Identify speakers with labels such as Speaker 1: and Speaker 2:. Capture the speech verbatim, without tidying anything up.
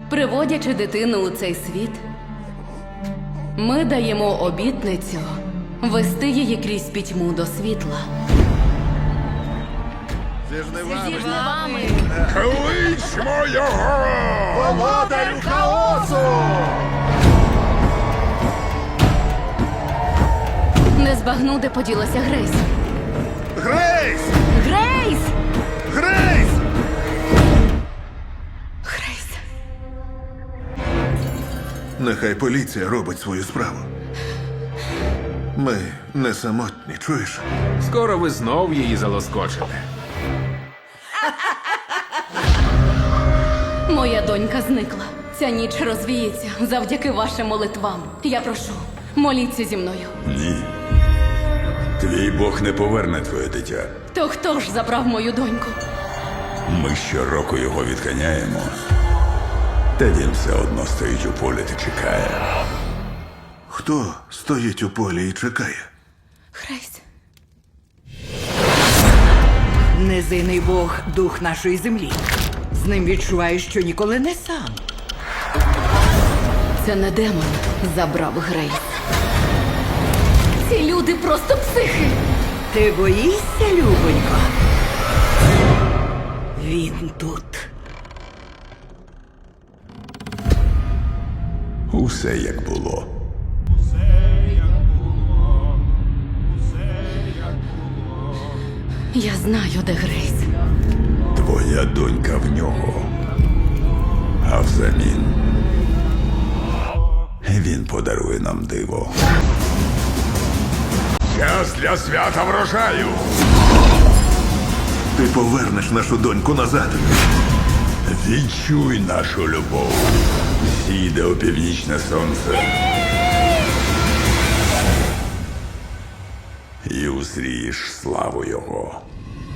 Speaker 1: Приводячи дитину у цей світ, ми даємо обітницю вести її крізь пітьму до світла.
Speaker 2: Зі жнивами.
Speaker 1: Зі жнивами.
Speaker 3: Кличмо його!
Speaker 2: Володарю хаосу!
Speaker 1: Не збагну, де поділася Грейс.
Speaker 2: Грейс!
Speaker 1: Грейс!
Speaker 2: Грейс!
Speaker 1: Грейс.
Speaker 2: Нехай поліція робить свою справу. Ми не самотні, чуєш?
Speaker 3: Скоро ви знов її залоскочите.
Speaker 1: Моя донька зникла. Ця ніч розвіється завдяки вашим молитвам. Я прошу, моліться зі мною.
Speaker 4: Ні. Твій Бог не поверне твоє дитя.
Speaker 1: То хто ж забрав мою доньку?
Speaker 4: Ми щороку його відганяємо. Та він все одно стоїть у полі та чекає.
Speaker 2: Хто стоїть у полі і чекає?
Speaker 1: Грейс.
Speaker 5: Незийний Бог – дух нашої землі. З ним відчуваєш, що ніколи не сам.
Speaker 1: Це не демон забрав Грейс. Ці люди просто психи.
Speaker 5: Ти боїшся, любонько? Він тут.
Speaker 4: Усе як було.
Speaker 1: Я знаю, де Грейс.
Speaker 4: Твоя донька в нього. А взамін він подарує нам диво. Час для свята врожаю.
Speaker 2: Ти повернеш нашу доньку назад.
Speaker 4: Відчуй нашу любов. Зійде опівнічне сонце. І узрієш славу його.